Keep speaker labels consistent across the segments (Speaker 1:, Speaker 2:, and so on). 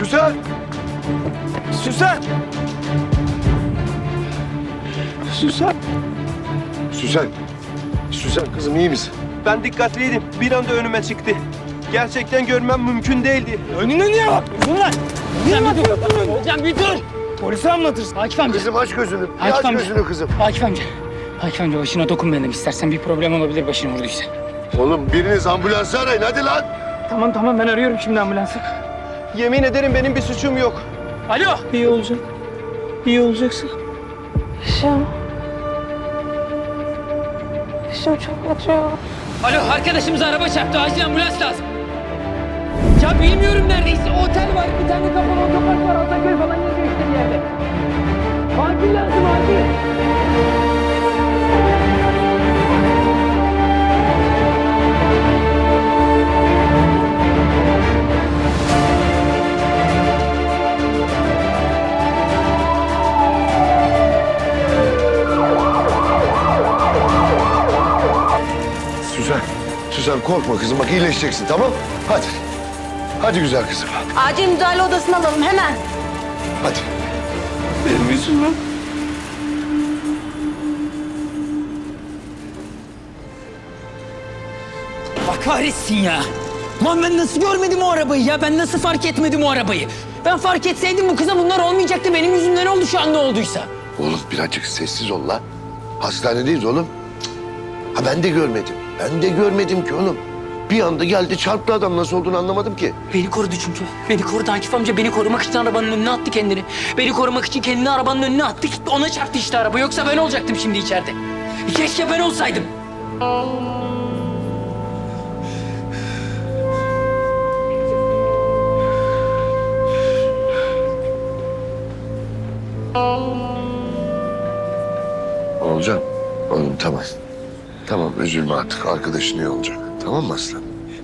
Speaker 1: Süsen! Süsen! Süsen! Süsen! Süsen kızım iyi misin?
Speaker 2: Ben dikkatliydim. Bir anda önüme çıktı. Gerçekten görmem mümkün değildi.
Speaker 3: Önüne niye bakmıyorsun lan? Niye bakıyorsun? Hocam bir dur. Polise anlatırsın.
Speaker 4: Akif amca.
Speaker 1: Kızım aç gözünü. Bir
Speaker 4: Akif
Speaker 1: aç
Speaker 4: amca.
Speaker 1: gözünü kızım.
Speaker 4: Akif amca. Akif amca başına dokunmayalım istersen. Bir problem olabilir başını vurduysa.
Speaker 1: Oğlum biriniz ambulansı arayın hadi lan.
Speaker 4: Tamam ben arıyorum şimdi ambulansı.
Speaker 2: Yemin ederim benim bir suçum yok.
Speaker 4: Alo.
Speaker 3: İyi olacak. İyi olacaksın.
Speaker 5: Başım. Başım çok acıyor.
Speaker 4: Alo arkadaşımıza araba çarptı. Acil ambulans lazım. Ya bilmiyorum neredeyse. Otel var. Bir tane kapalı otopark var. Ataköy falan yazıyor işte bir yerde. Acil lazım acil.
Speaker 1: Süsen. Süsen korkma kızım bak iyileşeceksin tamam? Hadi. Hadi güzel kızım.
Speaker 5: Acil müdahale odasına alalım hemen.
Speaker 1: Hadi.
Speaker 3: Benim yüzümden.
Speaker 4: Bak kahretsin ya. Lan ben nasıl görmedim o arabayı ya? Ben nasıl fark etmedim o arabayı? Ben fark etseydim bu kıza bunlar olmayacaktı. Benim yüzümden oldu şu an ne olduysa.
Speaker 1: Oğlum birazcık sessiz ol lan. Hastanedeyiz oğlum. Cık. Ha ben de görmedim. Ben de görmedim ki oğlum. Bir anda geldi çarptı adam nasıl olduğunu anlamadım ki.
Speaker 4: Beni korudu çünkü. Beni korudu Akif amca. Beni korumak için arabanın önüne attı kendini. Beni korumak için kendini arabanın önüne attı. Ona çarptı işte araba. Yoksa ben olacaktım şimdi içeride. Keşke ben olsaydım.
Speaker 1: Olacak. Oğlum tamam. Tamam üzülme artık arkadaşın iyi olacak. Tamam mı aslan?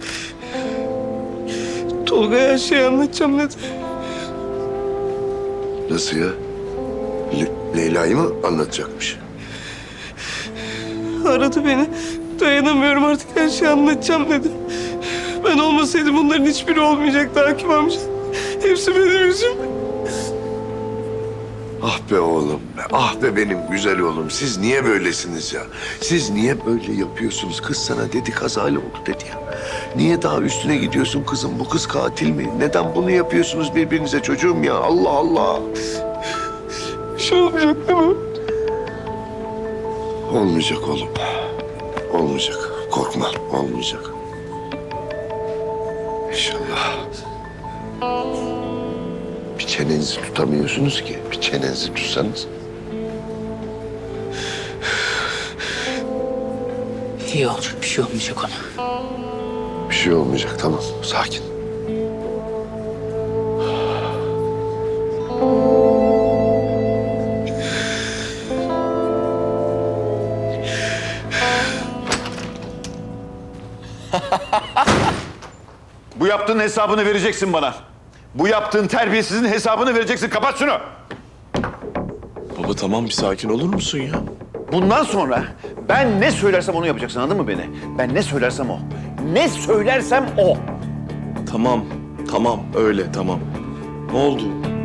Speaker 3: Tolga'ya her şeyi anlatacağım dedi.
Speaker 1: Nasıl ya? Leyla'yı mı anlatacakmış?
Speaker 3: Aradı beni. Dayanamıyorum artık her şeyi anlatacağım dedi. Ben olmasaydım bunların hiçbiri olmayacaktı Akif amca. Hepsi benim yüzümden.
Speaker 1: Ah be oğlum be. Ah be benim güzel oğlum. Siz niye böylesiniz ya? Siz niye böyle yapıyorsunuz? Kız sana dedi kazayla oldu dedi ya. Niye daha üstüne gidiyorsun kızım? Bu kız katil mi? Neden bunu yapıyorsunuz birbirinize çocuğum ya? Allah Allah.
Speaker 3: Bir şey olmayacak değil mi?
Speaker 1: Olmayacak oğlum. Olmayacak. Korkma. Olmayacak. İnşallah. Bir çenenizi tutamıyorsunuz ki. Bir çenenizi tutsanız.
Speaker 4: İyi olacak. Bir şey olmayacak ona.
Speaker 1: Bir şey olmayacak. Tamam. Sakin.
Speaker 6: Bu yaptığın hesabını vereceksin bana. Bu yaptığın terbiyesizin hesabını vereceksin. Kapat şunu.
Speaker 7: Baba tamam bir sakin olur musun ya?
Speaker 6: Bundan sonra ben ne söylersem onu yapacaksın, anladın mı beni? Ben ne söylersem o. Ne söylersem o.
Speaker 7: Tamam öyle tamam. Ne oldu?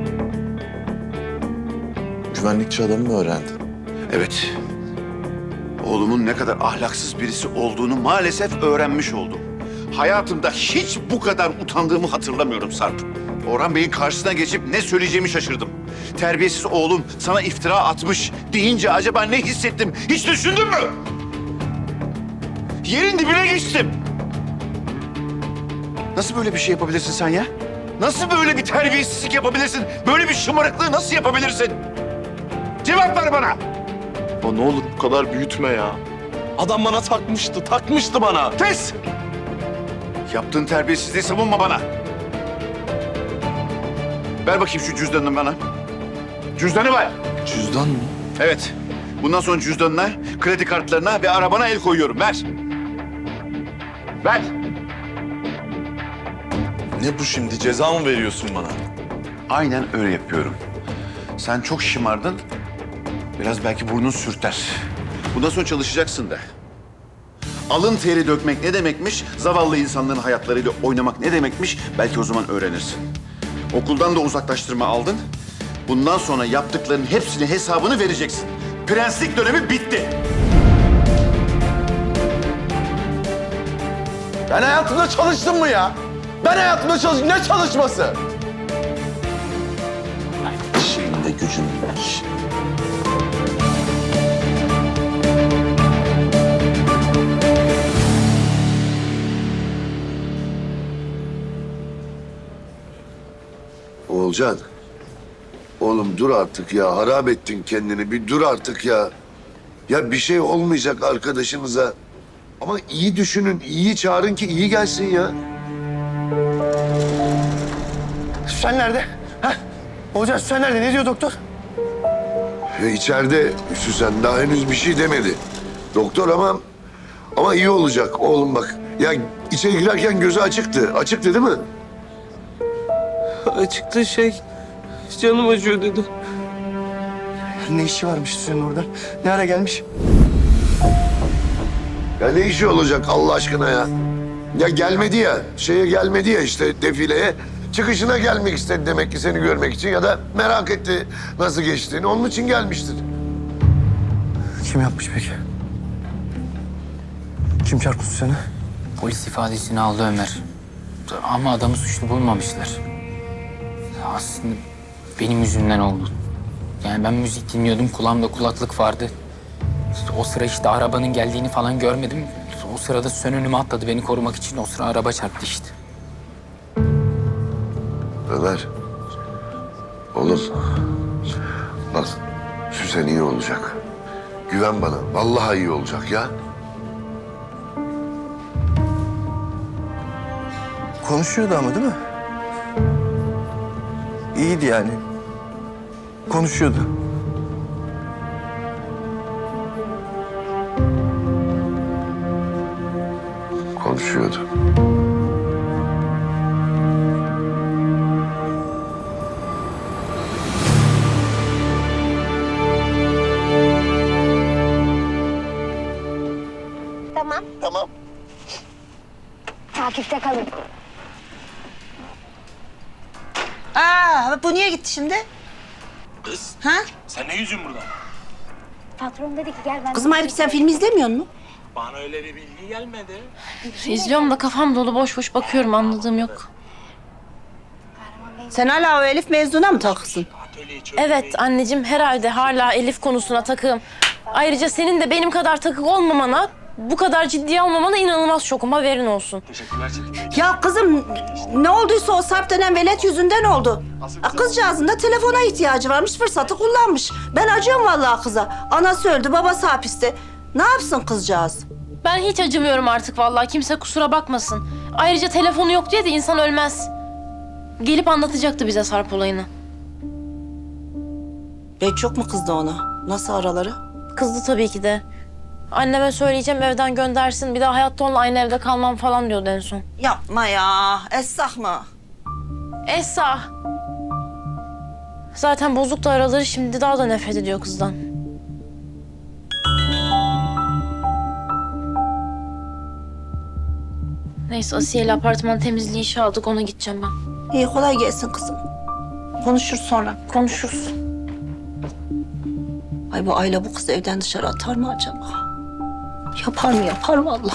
Speaker 7: Güvenlikçi adamı mı öğrendin?
Speaker 6: Evet. Oğlumun ne kadar ahlaksız birisi olduğunu maalesef öğrenmiş oldum. Hayatımda hiç bu kadar utandığımı hatırlamıyorum Sarp. Orhan Bey'in karşısına geçip ne söyleyeceğimi şaşırdım. Terbiyesiz oğlum sana iftira atmış deyince acaba ne hissettim? Hiç düşündün mü? Yerin dibine geçtim. Nasıl böyle bir şey yapabilirsin sen ya? Nasıl böyle bir terbiyesizlik yapabilirsin? Böyle bir şımarıklığı nasıl yapabilirsin? Cevap ver bana.
Speaker 7: Baba ne olur bu kadar büyütme ya. Adam bana takmıştı bana.
Speaker 6: Kes! Yaptığın terbiyesizliği savunma bana. Ver bakayım şu cüzdanını bana. Cüzdanı ver.
Speaker 7: Cüzdan mı?
Speaker 6: Evet. Bundan sonra cüzdanına, kredi kartlarına ve arabana el koyuyorum. Ver. Ver.
Speaker 7: Ne bu şimdi ceza mı veriyorsun bana?
Speaker 6: Aynen öyle yapıyorum. Sen çok şımardın. Biraz belki burnun sürter. Bundan sonra çalışacaksın da. Alın teri dökmek ne demekmiş? Zavallı insanların hayatlarıyla oynamak ne demekmiş? Belki o zaman öğrenirsin. Okuldan da uzaklaştırma aldın. Bundan sonra yaptıklarının hepsinin hesabını vereceksin. Prenslik dönemi bitti.
Speaker 7: Ben hayatımda çalıştım mı ya? Ben hayatımda çalıştım. Ne çalışması? Şeyin de gücün var.
Speaker 1: Oğulcan. Oğlum dur artık ya. Harap ettin kendini. Bir dur artık ya. Ya bir şey olmayacak arkadaşınıza. Ama iyi düşünün, iyi çağırın ki iyi gelsin ya.
Speaker 8: Süsen nerede? Ha? Hocam Süsen nerede? Ne diyor doktor?
Speaker 1: İçeride Süsen daha henüz bir şey demedi. Doktor ama iyi olacak oğlum bak. Ya içeri girerken gözü açıktı. Açıktı değil mi?
Speaker 3: Açıkta canım acıyor dedi.
Speaker 8: Ne işi varmış Süsen'in orada? Ne ara gelmiş?
Speaker 1: Ya ne işi olacak Allah aşkına ya? Ya gelmedi ya. Gelmedi ya işte defileye. Çıkışına gelmek istedi demek ki seni görmek için ya da merak etti nasıl geçtiğini. Onun için gelmiştir.
Speaker 8: Kim yapmış peki? Kim çarptı Süsen'i?
Speaker 4: Polis ifadesini aldı Ömer. Ama adamı suçlu bulmamışlar. Aslında benim yüzümden oldu. Yani ben müzik dinliyordum, kulağımda kulaklık vardı. O sıra işte arabanın geldiğini falan görmedim. O sırada Süsen önüme atladı beni korumak için. O sıra araba çarptı işte.
Speaker 1: Ömer. Oğlum. Bak Süsen iyi olacak. Güven bana. Vallahi iyi olacak ya.
Speaker 8: Konuşuyordu ama değil mi? İyiydi yani. Konuşuyordu.
Speaker 1: Konuşuyordu.
Speaker 5: Tamam. Takipte kalın.
Speaker 9: Bu niye gitti şimdi? Ha?
Speaker 7: Sen ne yüzün burada?
Speaker 5: Patron dedi ki gel ben...
Speaker 9: Kızım halbuki sen film izlemiyor musun?
Speaker 7: Bana öyle bir bilgi gelmedi.
Speaker 5: İzliyorum da kafam dolu boş boş bakıyorum anladığım yok.
Speaker 9: Sen hala o Elif mezuna mı takılsın?
Speaker 5: Evet anneciğim herhalde hala Elif konusuna takığım. Ayrıca senin de benim kadar takık olmamana, bu kadar ciddiye almamana inanılmaz şokum haberin olsun.
Speaker 9: Ya kızım ne olduysa o Sarp denen velet yüzünden oldu. Kızcağızın da telefona ihtiyacı varmış, fırsatı kullanmış. Ben acıyorum vallahi kıza. Anası öldü, babası hapiste. Ne yapsın kızcağız?
Speaker 5: Ben hiç acımıyorum artık vallahi kimse kusura bakmasın. Ayrıca telefonu yok diye de insan ölmez. Gelip anlatacaktı bize Sarp olayını.
Speaker 9: Bey çok mu kızdı ona? Nasıl araları?
Speaker 5: Kızdı tabii ki de. Anneme söyleyeceğim evden göndersin. Bir daha hayatta onunla aynı evde kalmam falan diyordu en son.
Speaker 9: Yapma ya, essak mı?
Speaker 5: Esra. Zaten bozuk da araları şimdi daha da nefret ediyor kızdan. Neyse Asiye'yle apartman temizliği işe aldık ona gideceğim ben.
Speaker 9: İyi kolay gelsin kızım. Konuşuruz sonra.
Speaker 5: Konuşuruz.
Speaker 9: Ay bu Ayla bu kızı evden dışarı atar mı acaba? Yapar mı yapar vallahi.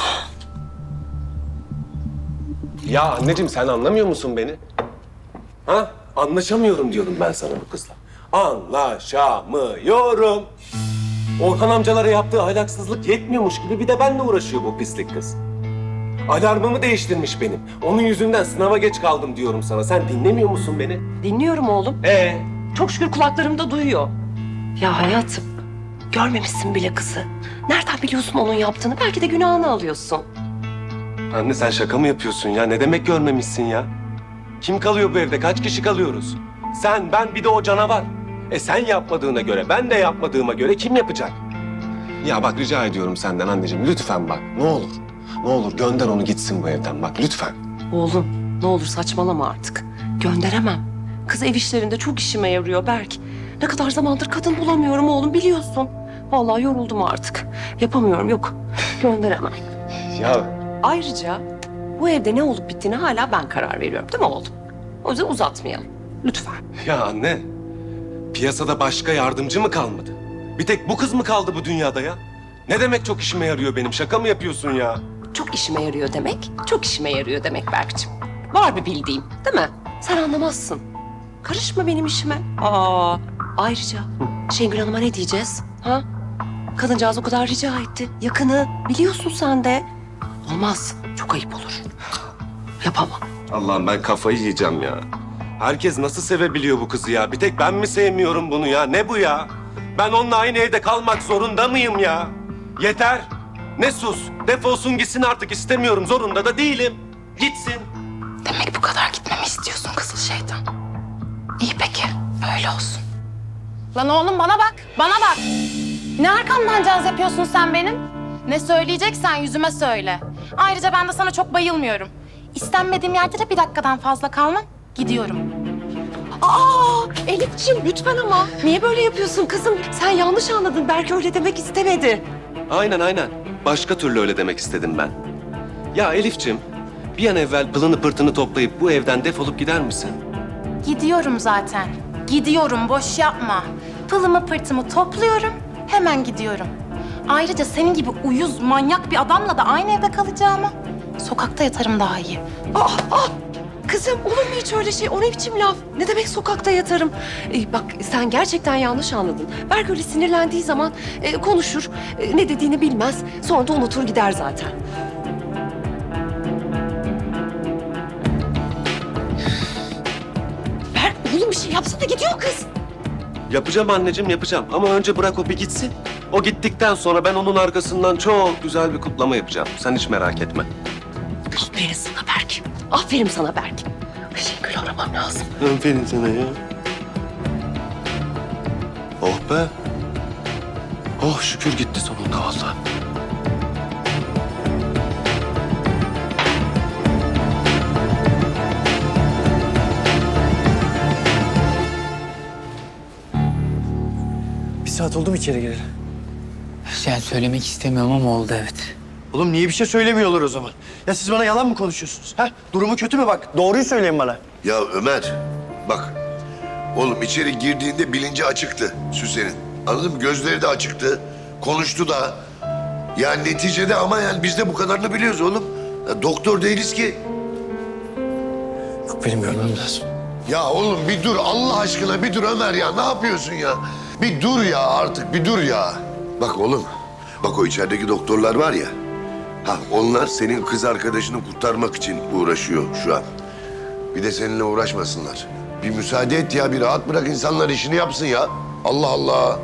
Speaker 2: Ya anneciğim sen anlamıyor musun beni? Ha? Anlaşamıyorum diyorum ben sana bu kızla. Anlaşamıyorum. Orhan amcalara yaptığı ahlaksızlık yetmiyormuş gibi bir de benimle uğraşıyor bu pislik kız. Alarmımı değiştirmiş benim. Onun yüzünden sınava geç kaldım diyorum sana. Sen dinlemiyor musun beni?
Speaker 10: Dinliyorum oğlum. Çok şükür kulaklarımda duyuyor. Ya hayatım, görmemişsin bile kızı. Nereden biliyorsun onun yaptığını? Belki de günahını alıyorsun.
Speaker 2: Anne sen şaka mı yapıyorsun ya? Ne demek görmemişsin ya? Kim kalıyor bu evde? Kaç kişi kalıyoruz? Sen, ben, bir de o canavar. Sen yapmadığına göre, ben de yapmadığıma göre kim yapacak? Ya bak rica ediyorum senden anneciğim. Lütfen bak. Ne olur. Ne olur gönder onu gitsin bu evden bak lütfen.
Speaker 10: Oğlum, ne olur saçmalama artık. Gönderemem. Kız ev işlerinde çok işime yarıyor Berk. Ne kadar zamandır kadın bulamıyorum oğlum biliyorsun. Vallahi yoruldum artık. Yapamıyorum yok. Gönderemem.
Speaker 2: Ya
Speaker 10: Ayrıca bu evde ne olup bittiğine hala ben karar veriyorum değil mi oğlum? O yüzden uzatmayalım. Lütfen.
Speaker 2: Ya anne, piyasada başka yardımcı mı kalmadı? Bir tek bu kız mı kaldı bu dünyada ya? Ne demek çok işime yarıyor benim? Şaka mı yapıyorsun ya?
Speaker 10: Çok işime yarıyor demek, çok işime yarıyor demek Berk'cim. Var bir bildiğim, değil mi? Sen anlamazsın. Karışma benim işime. Ayrıca Şengül Hanım'a ne diyeceğiz? Ha? Kadıncağız o kadar rica etti. Yakını biliyorsun sen de. Olmaz, çok ayıp olur. Yapamam.
Speaker 2: Allah'ım ben kafayı yiyeceğim ya. Herkes nasıl sevebiliyor bu kızı ya? Bir tek ben mi sevmiyorum bunu ya? Ne bu ya? Ben onunla aynı evde kalmak zorunda mıyım ya? Yeter. Ne sus. Defolsun gitsin artık, istemiyorum. Zorunda da değilim. Gitsin.
Speaker 5: Demek bu kadar gitmemi istiyorsun kızıl şeytan. İyi peki, öyle olsun.
Speaker 11: Lan oğlum bana bak, bana bak. Ne arkamdan caz yapıyorsun sen benim? Ne söyleyeceksen yüzüme söyle. Ayrıca ben de sana çok bayılmıyorum. İstenmediğim yerde de bir dakikadan fazla kalmam, gidiyorum.
Speaker 10: Elif'ciğim lütfen ama. Niye böyle yapıyorsun kızım? Sen yanlış anladın. Berk öyle demek istemedi.
Speaker 2: Aynen. Başka türlü öyle demek istedim ben. Ya Elif'ciğim, bir an evvel pılını pırtını toplayıp bu evden defolup gider misin?
Speaker 11: Gidiyorum zaten. Gidiyorum, boş yapma. Pılımı pırtımı topluyorum, hemen gidiyorum. Ayrıca senin gibi uyuz, manyak bir adamla da aynı evde kalacağıma sokakta yatarım daha iyi.
Speaker 10: Kızım olur mu hiç öyle şey? O ne biçim laf? Ne demek sokakta yatarım? Bak sen gerçekten yanlış anladın. Berk öyle sinirlendiği zaman konuşur. Ne dediğini bilmez. Sonra da unutur gider zaten. Berk oğlum bir şey yapsana gidiyor kız.
Speaker 2: Yapacağım anneciğim, yapacağım. Ama önce bırak o bir gitsin. O gittikten sonra ben onun arkasından çok güzel bir kutlama yapacağım. Sen hiç merak etme.
Speaker 10: Aferin sana Berk. Aferin sana Berk. Şengül'ü aramam lazım.
Speaker 2: Aferin sana ya. Oh be. Oh şükür gitti sonunda vallahi.
Speaker 8: Bir saat oldu mu içeri gireli?
Speaker 4: Yani söylemek istemiyorum ama oldu evet.
Speaker 8: Oğlum niye bir şey söylemiyorlar o zaman? Ya siz bana yalan mı konuşuyorsunuz? Ha? Durumu kötü mü bak? Doğruyu söyleyin bana.
Speaker 1: Ya Ömer, bak. Oğlum içeri girdiğinde bilinci açıktı Süsen'in. Anladın mı? Gözleri de açıktı. Konuştu da. Yani neticede ama yani biz de bu kadarını biliyoruz oğlum. Ya doktor değiliz ki.
Speaker 8: Yok benim görmem lazım.
Speaker 1: Ya oğlum bir dur Allah aşkına bir dur Ömer ya. Ne yapıyorsun ya? Bir dur ya artık bir dur ya. Bak oğlum. Bak o içerideki doktorlar var ya. Ha onlar senin kız arkadaşını kurtarmak için uğraşıyor şu an. Bir de seninle uğraşmasınlar. Bir müsaade et ya bir rahat bırak insanlar işini yapsın ya. Allah Allah.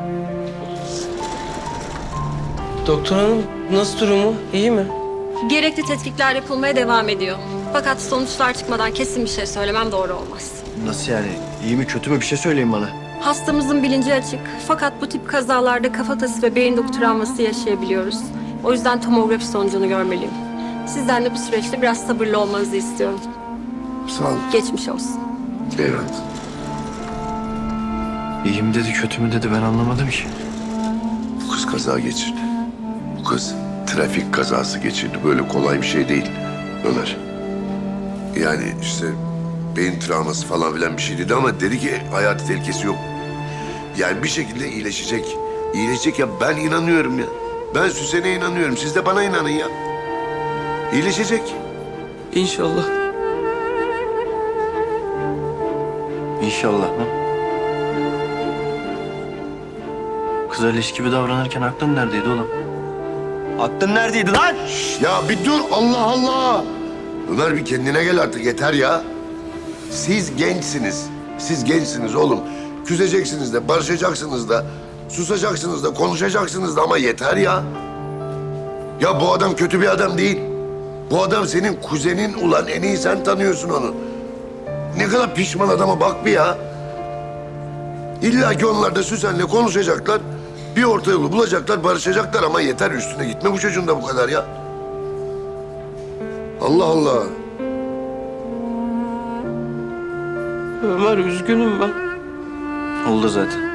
Speaker 3: Doktor hanım nasıl durumu? İyi mi?
Speaker 12: Gerekli tetkikler yapılmaya devam ediyor. Fakat sonuçlar çıkmadan kesin bir şey söylemem doğru olmaz.
Speaker 8: Nasıl yani? İyi mi kötü mü bir şey söyleyin bana.
Speaker 12: Hastamızın bilinci açık. Fakat bu tip kazalarda kafatası ve beyin doku travması yaşayabiliyoruz. O yüzden tomografi sonucunu görmeliyim. Sizden de bu süreçte biraz sabırlı olmanızı istiyorum.
Speaker 1: Sağ ol.
Speaker 12: Geçmiş olsun.
Speaker 1: Eyvallah.
Speaker 8: İyi mi dedi kötü mü dedi ben anlamadım ki.
Speaker 1: Bu kız kaza geçirdi. Bu kız trafik kazası geçirdi. Böyle kolay bir şey değil Ömer. Yani işte beyin travması falan filan bir şey dedi ama dedi ki hayati tehlikesi yok. Yani bir şekilde iyileşecek. İyileşecek ya ben inanıyorum ya. Ben Süsen'e inanıyorum. Siz de bana inanın ya. İyileşecek.
Speaker 3: İnşallah.
Speaker 8: İnşallah ha. Kıza leş gibi davranırken aklın neredeydi oğlum? Aklın neredeydi lan?
Speaker 1: Ya bir dur Allah Allah. Ömer bir kendine gel artık yeter ya. Siz gençsiniz. Siz gençsiniz oğlum. Küseceksiniz de, barışacaksınız da, susacaksınız da, konuşacaksınız da ama yeter ya. Ya bu adam kötü bir adam değil. Bu adam senin kuzenin ulan en iyi sen tanıyorsun onu. Ne kadar pişman adama bak bir ya. İlla ki onlar da Süsen'le konuşacaklar. Bir orta yolu bulacaklar, barışacaklar ama yeter üstüne gitme bu çocuğun da bu kadar ya. Allah Allah.
Speaker 3: Ömer üzgünüm ben.
Speaker 8: Oldu zaten.